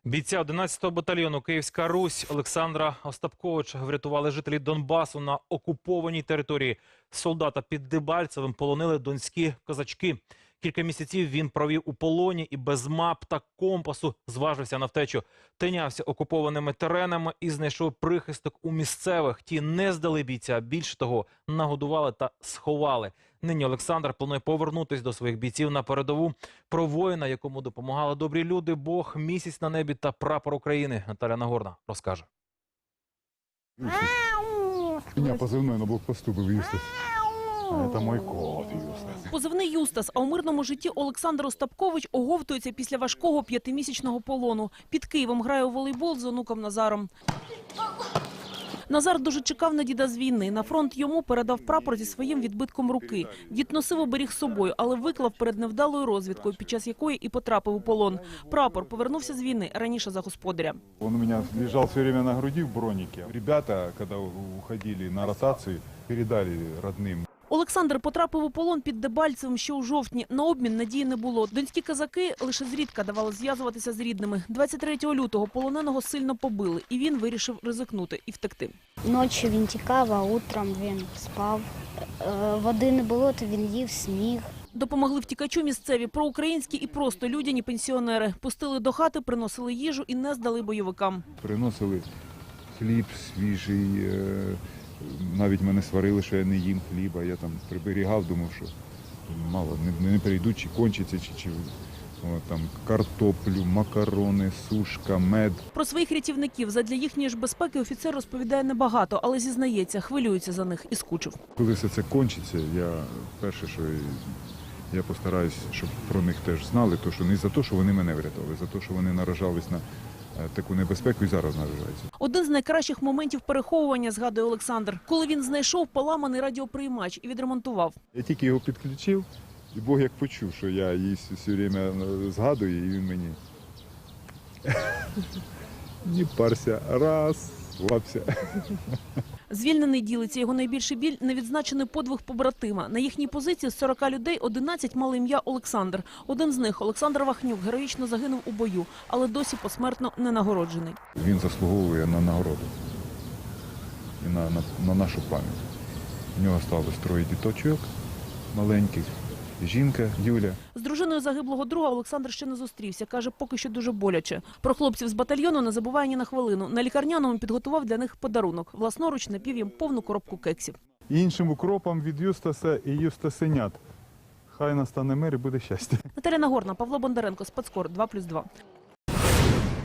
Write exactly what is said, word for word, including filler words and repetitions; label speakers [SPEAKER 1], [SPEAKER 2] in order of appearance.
[SPEAKER 1] Бійця одинадцятого батальйону «Київська Русь» Олександра Остапковича врятували жителі Донбасу на окупованій території. Солдата під Дебальцевим полонили донські козачки. Кілька місяців він провів у полоні і без мап та компасу зважився на втечу. Тинявся окупованими теренами і знайшов прихисток у місцевих. Ті не здали бійця, більше того, нагодували та сховали. Нині Олександр планує повернутися до своїх бійців на передову. Про воїна, якому допомагали добрі люди, Бог, місяць на небі та прапор України. Наталя Нагорна розкаже.
[SPEAKER 2] У меня позывной на блокпосту был Юстас. Это мой кот Юстас.
[SPEAKER 3] Позивний Юстас, а у мирному житті Олександр Остапкович оговтується після важкого п'ятимісячного полону. Під Києвом грає у волейбол з онуком Назаром. Назар дуже чекав на діда з війни. На фронт йому передав прапор зі своїм відбитком руки. Дід носив оберіг з собою, але виклав перед невдалою розвідкою, під час якої і потрапив у полон. Прапор повернувся з війни раніше за господаря.
[SPEAKER 2] Он у меня лежал все время на груди в бронике. Ребята, когда уходили на ротацию, передали родным.
[SPEAKER 3] Олександр потрапив у полон під Дебальцевим ще у жовтні. На обмін надії не було. Донські козаки лише зрідка давали зв'язуватися з рідними. двадцять третього лютого полоненого сильно побили, і він вирішив ризикнути і втекти.
[SPEAKER 4] Ночі він тікав, а утром він спав. Е, Води не було, то він їв сніг.
[SPEAKER 3] Допомогли втікачу місцеві проукраїнські і просто людяні пенсіонери. Пустили до хати, приносили їжу і не здали бойовикам.
[SPEAKER 2] Приносили хліб свіжий. е, Навіть мене сварили, що я не їм хліба. Я там приберігав, думав, що мало, не, не прийдуть, чи кончиться, чи, чи о, там картоплю, макарони, сушка, мед.
[SPEAKER 3] Про своїх рятівників задля їхньої ж безпеки офіцер розповідає небагато, але зізнається, хвилюється за них і скучив.
[SPEAKER 2] Коли все це кончиться, я перше, що я постараюсь, щоб про них теж знали, то що не за те, що вони мене врятували, за те, що вони наражались на таку небезпеку і зараз наражаються.
[SPEAKER 3] Один з найкращих моментів переховування, згадує Олександр, коли він знайшов поламаний радіоприймач і відремонтував.
[SPEAKER 2] Я тільки його підключив, і Бог як почув, що я її все время згадую, і він мені не парся, раз, лапся.
[SPEAKER 3] Звільнений ділиться, його найбільший біль – невідзначений подвиг побратима. На їхній позиції з сорока людей одинадцять мали ім'я Олександр. Один з них, Олександр Вахнюк, героїчно загинув у бою, але досі посмертно не нагороджений.
[SPEAKER 2] Він заслуговує на нагороду і на, на, на нашу пам'ять. У нього сталося троє діточок маленьких, жінка Юля.
[SPEAKER 3] З дружиною загиблого друга Олександр ще не зустрівся. Каже, поки що дуже боляче. Про хлопців з батальйону не забуває ні на хвилину. На лікарняному підготував для них подарунок. Власноруч напів їм повну коробку кексів.
[SPEAKER 2] Іншим укропом від Юстаса і Юстасенят. Хай настане мир і буде щастя.
[SPEAKER 3] Наталя Нагорна, Павло Бондаренко, Спецкор, два плюс два.